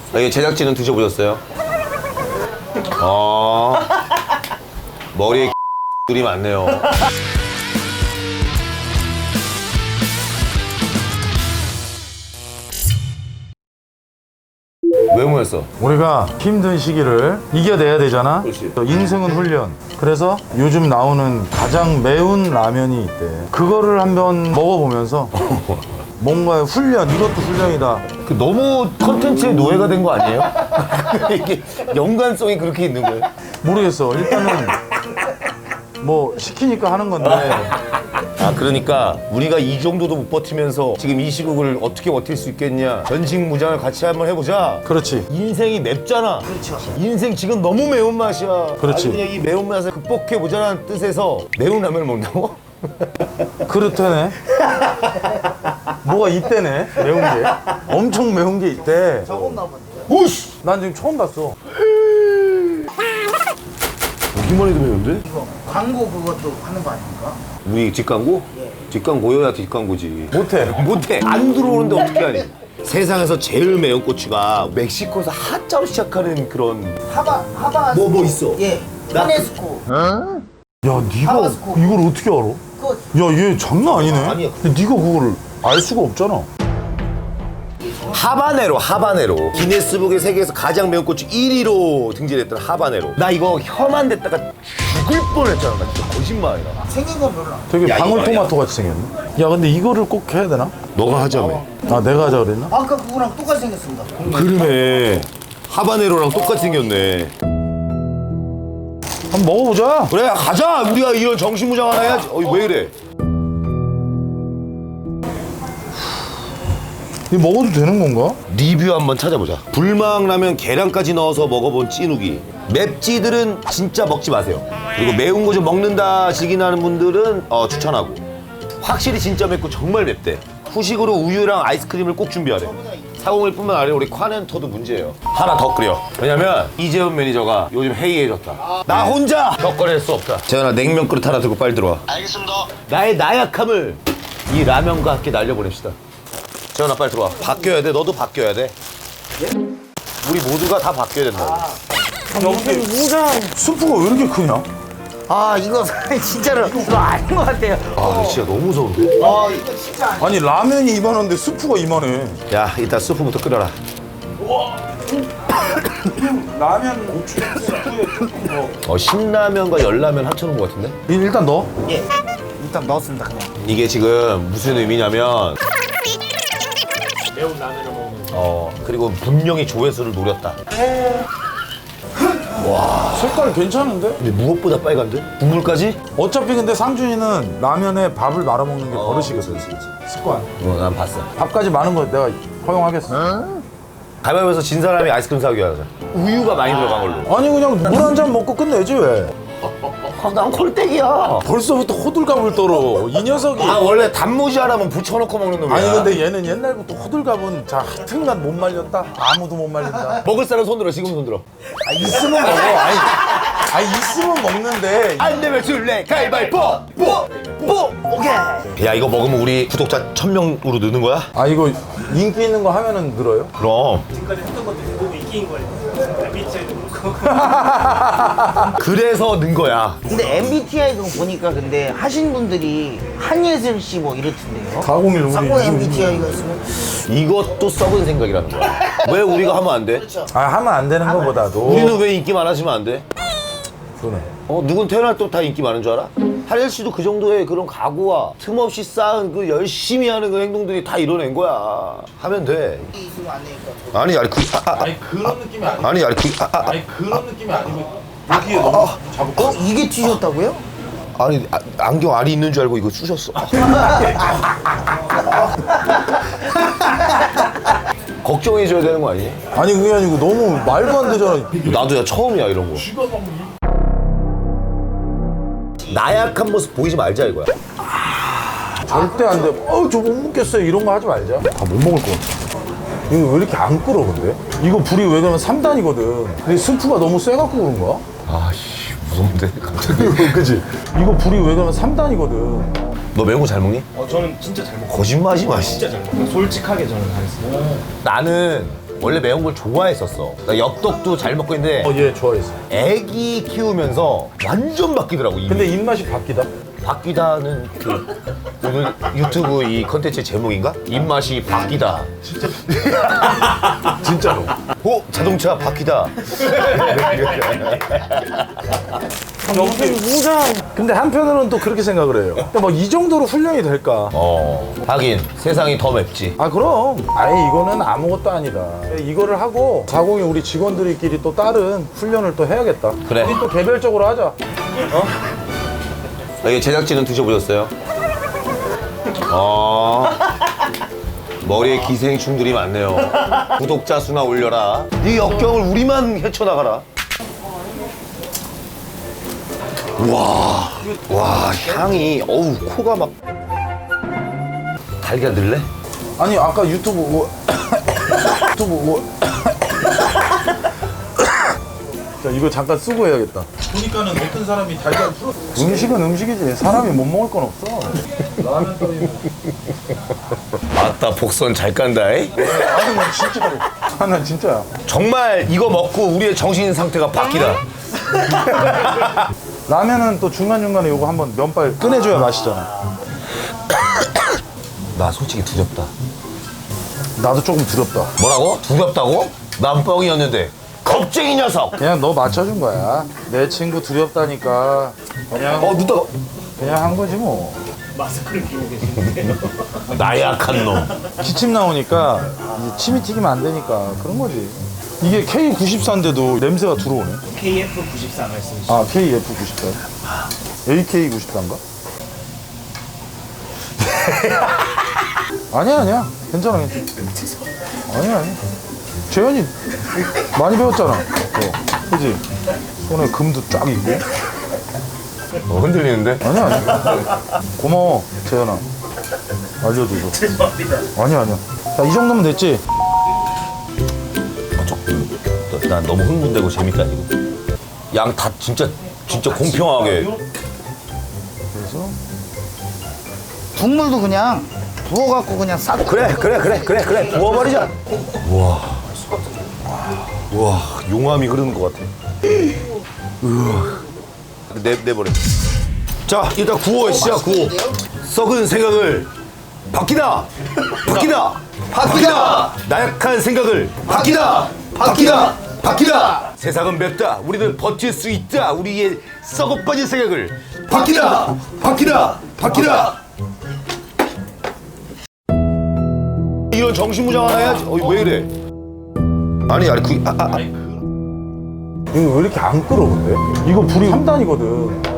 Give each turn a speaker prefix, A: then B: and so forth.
A: 이게 제작진은 드셔보셨어요? 머리에 들이 많네요. 왜 모였어?
B: 우리가 힘든 시기를 이겨내야 되잖아.
A: 그렇지.
B: 인생은 훈련. 그래서 요즘 나오는 가장 매운 라면이 있대. 그거를 한번 먹어보면서 뭔가 훈련, 이것도 훈련이다.
A: 너무 컨텐츠의 노예가 된 거 아니에요? 이게 연관성이 그렇게 있는 거예요?
B: 모르겠어. 일단은 뭐 시키니까 하는 건데.
A: 그러니까 우리가 이 정도도 못 버티면서 지금 이 시국을 어떻게 버틸 수 있겠냐, 전식무장을 같이 한번 해보자.
B: 그렇지.
A: 인생이 맵잖아. 그렇죠. 인생 지금 너무 매운맛이야.
B: 그렇지.
A: 그냥 이 매운맛을 극복해보자는 뜻에서 매운 라면을 먹는다고?
B: 그렇다네. 뭐가 있대네. 매운 게. 엄청 매운 게 있대.
A: 오씨!
B: 난 지금 처음 봤어.
A: 보기만 해도 매운데?
C: 이거 광고 그것도 하는 거 아닙니까?
A: 우리 뒷광고?
C: 예.
A: 뒷광고여야 뒷광고지.
B: 못해.
A: 못해. 안 들어오는데 어떻게 하니? 세상에서 제일 매운 고추가 멕시코에서 하자로 시작하는 그런
C: 하바
A: 뭐 있어?
C: 예. 하네스코.
B: 야, 네가
C: 타바스코.
B: 이걸 어떻게 알아?
C: 그거
B: 야, 얘 장난 아니네.
A: 아니야.
B: 근데 네가 그거를 알 수가 없잖아.
A: 하바네로. 기네스북의 세계에서 가장 매운 고추 1위로 등재됐던 하바네로. 나 이거 혀만 댔다가 죽을 뻔했잖아. 나 진짜 거짓말이야.
C: 생긴 건 별로 안.
B: 되게
A: 야,
B: 방울토마토 같이 생겼네. 야, 근데 이거를 꼭 해야 되나?
A: 너가 하자며.
B: 아, 내가 하자 그랬나?
C: 아까 그거랑 똑같이 생겼습니다.
A: 그러네. 하바네로랑 똑같이 생겼네.
B: 한번 먹어보자.
A: 그래 가자. 우리가 이런 정신무장 하나 해야지. 왜 이래?
B: 이거 먹어도 되는 건가?
A: 리뷰 한번 찾아보자. 불망라면 계란까지 넣어서 먹어본 찌누기. 맵찌들은 진짜 먹지 마세요. 그리고 매운 거 좀 먹는다 시기나는 분들은 추천하고. 확실히 진짜 맵고 정말 맵대. 후식으로 우유랑 아이스크림을 꼭 준비하래. 401뿐만 아니라 우리 콰넨터도 문제예요. 하나 더 끓여. 왜냐면 이재훈 매니저가 요즘 해이해졌다. 나 혼자 격거릴 수 없다. 재현아 냉면 그릇 하나 들고 빨리 들어와.
D: 알겠습니다.
A: 나의 나약함을 이 라면과 함께 날려보냅시다. 재현아 빨리 들어와. 바뀌어야 돼. 너도 바뀌어야 돼. 우리 모두가 다 바뀌어야 된다.
B: 스프가 왜 이렇게 크냐?
C: 아 이거 진짜로 이거 아닌 것 같아요.
A: 아 진짜 너무 무서운데?
C: 아 이거 진짜 아니.
B: 아니, 라면이 이만한데 스프가 이만해.
A: 야 이따 스프부터 끓여라.
B: 라면 고추 스프에 조금
A: 신라면과 열라면 합쳐놓은 것 같은데?
B: 일단 넣어.
C: 예. 일단 넣었습니다 그냥.
A: 이게 지금 무슨 의미냐면 매운 라면을 먹는 그리고 분명히 조회수를 노렸다.
B: 색깔 괜찮은데?
A: 근데 무엇보다 빨간데? 국물까지?
B: 어차피 근데 상준이는 라면에 밥을 말아 먹는 게 버릇이거든. 습관.
A: 난 봤어.
B: 밥까지 많은 거 내가 허용하겠어.
A: 가위바위보에서 진 사람이 아이스크림 사오기 하자. 우유가 많이 들어간 걸로.
B: 아니, 그냥 물 한 잔 먹고 끝내지 왜?
A: 난 콜땡이야.
B: 벌써부터 호들갑을 떨어. 이 녀석이.
A: 원래 단무지 하나만 붙여놓고 먹는 놈이야.
B: 아니, 근데 얘는 옛날부터 호들갑은 자 하여튼간 못 말렸다. 아무도 못 말린다.
A: 먹을 사람 손 들어. 지금 손 들어.
B: 아, 있으면 먹어. 아니 있으면 먹는데.
A: 안 되면 줄래 가위바위보. 오케이. 야 이거 먹으면 우리 구독자 1000명으로 느는 거야?
B: 아, 이거 인기 있는 거 하면은 늘어요?
A: 그럼. 그래서 는 거야.
C: 근데 MBTI 그거 보니까 근데 하신 분들이 한예슬 씨 뭐 이렇던데요.
B: 401 우리.
C: 싹고 MBTI가 있으면
A: 이것도 썩은 생각이라는 거야. 왜 우리가 하면 안 돼?
B: 아, 하면 안 되는 거보다도.
A: 우리는 왜 인기 많아지면 안 돼?
B: 그러네.
A: 누군 태어날 때 다 인기 많은 줄 알아? 하릴 씨도 그 정도의 그런 각오와 틈없이 쌓은 그 열심히 하는 그 행동들이 다 이뤄낸 거야. 하면 돼.
C: 있으면 안 되니까.
A: 아니
B: 그런 느낌이 아니고.
A: 아니
B: 그런 느낌이 아니고. 여기에 너무 잡을까?
C: 이게 튀셨다고요?
A: 아니 안경 알이 있는 줄 알고 이거 쑤셨어. 걱정해줘야 되는 거 아니니?
B: 아니, 그게 아니고 너무 말도 안 되잖아.
A: 나도 처음이야 이런 거. 나약한 모습 보이지 말자 이거야.
B: 절대 안 돼. 저 못 먹겠어요. 이런 거 하지 말자. 다 못 먹을 것 같아. 이거 왜 이렇게 안 끓어, 근데? 이거 불이 왜 그러면 3단이거든. 근데 스프가 너무 세갖고 그런가?
A: 아씨 무서운데 갑자기.
B: 그치? 이거 불이 왜 그러면 3단이거든.
A: 너 매운 거 잘 먹니?
D: 저는 진짜 잘 먹어요.
A: 거짓말하지 마.
D: 진짜 잘 먹어요. 솔직하게 저는 하겠습니다.
A: 나는 원래 매운 걸 좋아했었어. 나 엽떡도 잘 먹고 있는데
B: 예, 좋아했어.
A: 애기 키우면서 완전 바뀌더라고. 이미.
B: 근데 입맛이 바뀌다?
A: 바뀌다는 그 오늘 유튜브 이 컨텐츠 제목인가? 입맛이 바뀌다.
B: 진짜로.
A: 자동차 바뀌다.
B: 근데 한편으로는 또 그렇게 생각을 해요. 근데 뭐 이 정도로 훈련이 될까?
A: 하긴 세상이 더 맵지.
B: 아, 그럼. 아예 이거는 아무것도 아니다. 이거를 하고 40이 우리 직원들끼리 또 다른 훈련을 또 해야겠다.
A: 그래.
B: 우리 또 개별적으로 하자.
A: 여기 제작진은 드셔보셨어요? 머리에 기생충들이 많네요. 구독자 수나 올려라. 이 역경을 우리만 헤쳐나가라. 와, 향이, 어우, 코가 막. 달걀 넣을래?
B: 아니, 아까 유튜브 뭐. 유튜브 뭐. 자, 이거 잠깐 쓰고 해야겠다. 보니까는 어떤 사람이 달걀 풀었어. 음식은 음식이지. 사람이 못 먹을 건 없어. 라면 끓이면.
A: 맞다, 복선 잘 깐다이.
B: 아니, 난 진짜로. 아, 난 진짜야.
A: 정말 이거 먹고 우리의 정신 상태가 바뀌다.
B: 라면은 또 중간중간에 요거 한번 면발 꺼내줘야 맛있잖아.
A: 나 솔직히 두렵다.
B: 나도 조금 두렵다.
A: 뭐라고? 두렵다고? 난 뻥이었는데. 겁쟁이 녀석!
B: 그냥 너 맞춰준 거야. 내 친구 두렵다니까. 그냥,
A: 눈 떠.
B: 그냥 한 거지 뭐.
A: 나약한 놈.
B: 기침 나오니까 이제 침이 튀기면 안 되니까 그런 거지. 이게 K94인데도 냄새가 들어오네.
D: KF94 말씀이시죠?
B: 아, KF94. AK94인가? 아니야. 괜찮아. 아니야. 재현이 많이 배웠잖아. 그지? 손에 금도 쫙 있고.
A: 흔들리는데?
B: 아니야. 고마워, 재현아. 알려줘서.
D: 죄송합니다.
B: 아니야. 자, 이 정도면 됐지?
A: 난 너무 흥분되고 재밌다, 이거. 양 다 진짜 공평하게.
B: 그래서
C: 국물도 그냥 부어갖고 그냥 싹.
A: 그래. 부어버리자. 우와, 용암이 흐르는 것 같아. 내버려. 자, 일단 구워, 시작, 구워. 썩은 생각을 바뀌다. 나약한 생각을 바뀌다. 세상은 맵다. 우리는 버틸 수 있다. 우리의 썩어빠진 생각을 바뀌다. 이런 정신무장을 해야지. 왜 이래? 아니,
B: 이거 왜 이렇게 안 끓어 근데? 이거 불이 3단이거든.